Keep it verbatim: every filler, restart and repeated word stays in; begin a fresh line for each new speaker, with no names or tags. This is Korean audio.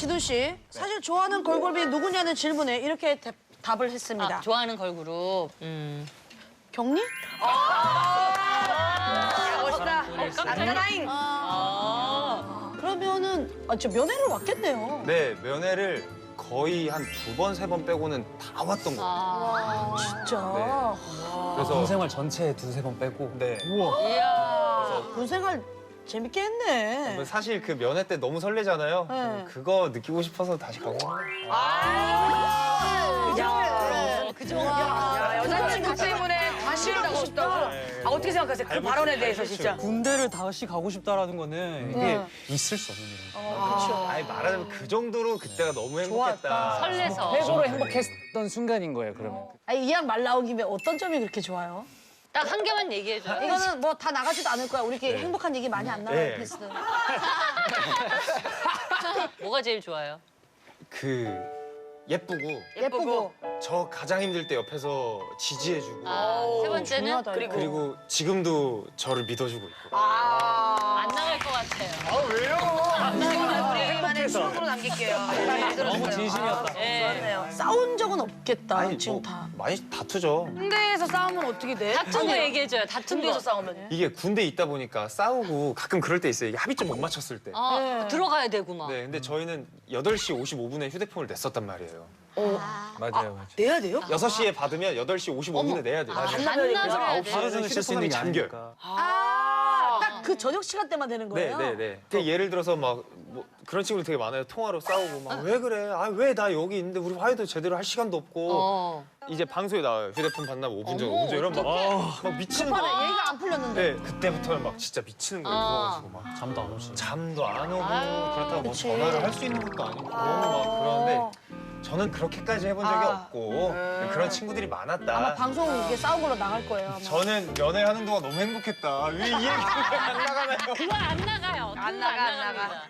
지돈 씨, 사실 좋아하는 걸그룹이 누구냐는 질문에 이렇게 대, 답을 했습니다.
아, 좋아하는 걸그룹. 음.
경리?
멋있다. 안나라잉.
아.
그러면은 아, 저 면회를 왔겠네요.
네, 면회를 거의 한 두 번, 세 번 빼고는 다 왔던 것 같아요.
아.
진짜.
그래서
군생활 전체에 두세 번 빼고.
네.
이야.
군생활 재밌게 했네.
사실 그 면회 때 너무 설레잖아요.
네.
그거 느끼고 싶어서 다시 가고.
야,
그 정도.
야, 여자친구 때문에 다시 가고 싶다고. 아, 어떻게 생각하세요? 그 발언에 대해서 진짜.
군대를 다시 가고 싶다라는 거는 이게
네.
있을 수 없는 일이에요.
그렇죠.
아니 말하자면 그 정도로 그때가 너무 행복했다.
설레서.
최고로 행복했던 순간인 거예요, 그러면.
아니, 이왕 말 나온 김에 어떤 점이 그렇게 좋아요?
딱 한 개만 얘기해줘요.
이거는 뭐 다 나가지도 않을 거야. 우리끼리 행복한 얘기 많이 안 나와요,
네.
패스는.
뭐가 제일 좋아요?
그 예쁘고
예쁘고.
저 가장 힘들 때 옆에서 지지해주고
아, 세 번째는
중요하다, 이거.
그리고 지금도 저를 믿어주고 있고.
안 나갈 것 같아요.
우리만의 추억으로 남길게요.
너무 진심이었다.
네.
싸운 적은 없겠다,
아니
지금
뭐
다.
많이 다투죠.
군대에서 싸우면 어떻게 돼?
다툰 거 얘기해줘요. 다툰 거.
군대에서 싸우면.
이게 군대에 있다 보니까 싸우고 가끔 그럴 때 있어요. 이게 합의점 못 맞췄을 때.
어,
네.
들어가야 되고 막.
네, 근데 저희는 여덟 시 오십오 분에 휴대폰을 냈었단 말이에요.
맞아요, 맞아요.
내야 돼요?
여섯 시에 받으면 여덟 시 오십오 분에 내야 돼요.
반납을
그래서
해야
아홉
돼.
하루
시에는
종일 쓸 수 있는
휴대폰이
게
잠겨요.
아니니까.
아, 딱 그 저녁 시간 때만 되는
네,
거예요?
네, 네. 그 예를 들어서 막 뭐 그런 친구들 되게 많아요. 통화로 싸우고 막 왜 그래? 아, 왜 나 여기 있는데 우리 화해도 제대로 할 시간도 없고.
어.
이제 방송에 나와요. 휴대폰 반납 오 분 전, 오 분 전 이러면 막,
어,
막 미치는
급하네,
거예요.
얘기가 안 풀렸는데.
네, 그때부터는 막 진짜 미치는 거예요.
아.
무서워가지고 막.
잠도 안 오시.
잠도 안 오고
아유,
그렇다고 뭐
그치.
전화를 할 수 있는 것도 아니고 너무 막 그러는데 저는 그렇게까지 해본 적이
아.
없고 그런 친구들이 많았다.
아마 방송 이게 싸운 걸로 나갈 거예요. 아마.
저는 연애하는 동안 너무 행복했다. 왜 이 얘기가 안 나가나요?
그거 안 나가요.
안
그거
나가, 안
나갑니다.
나가.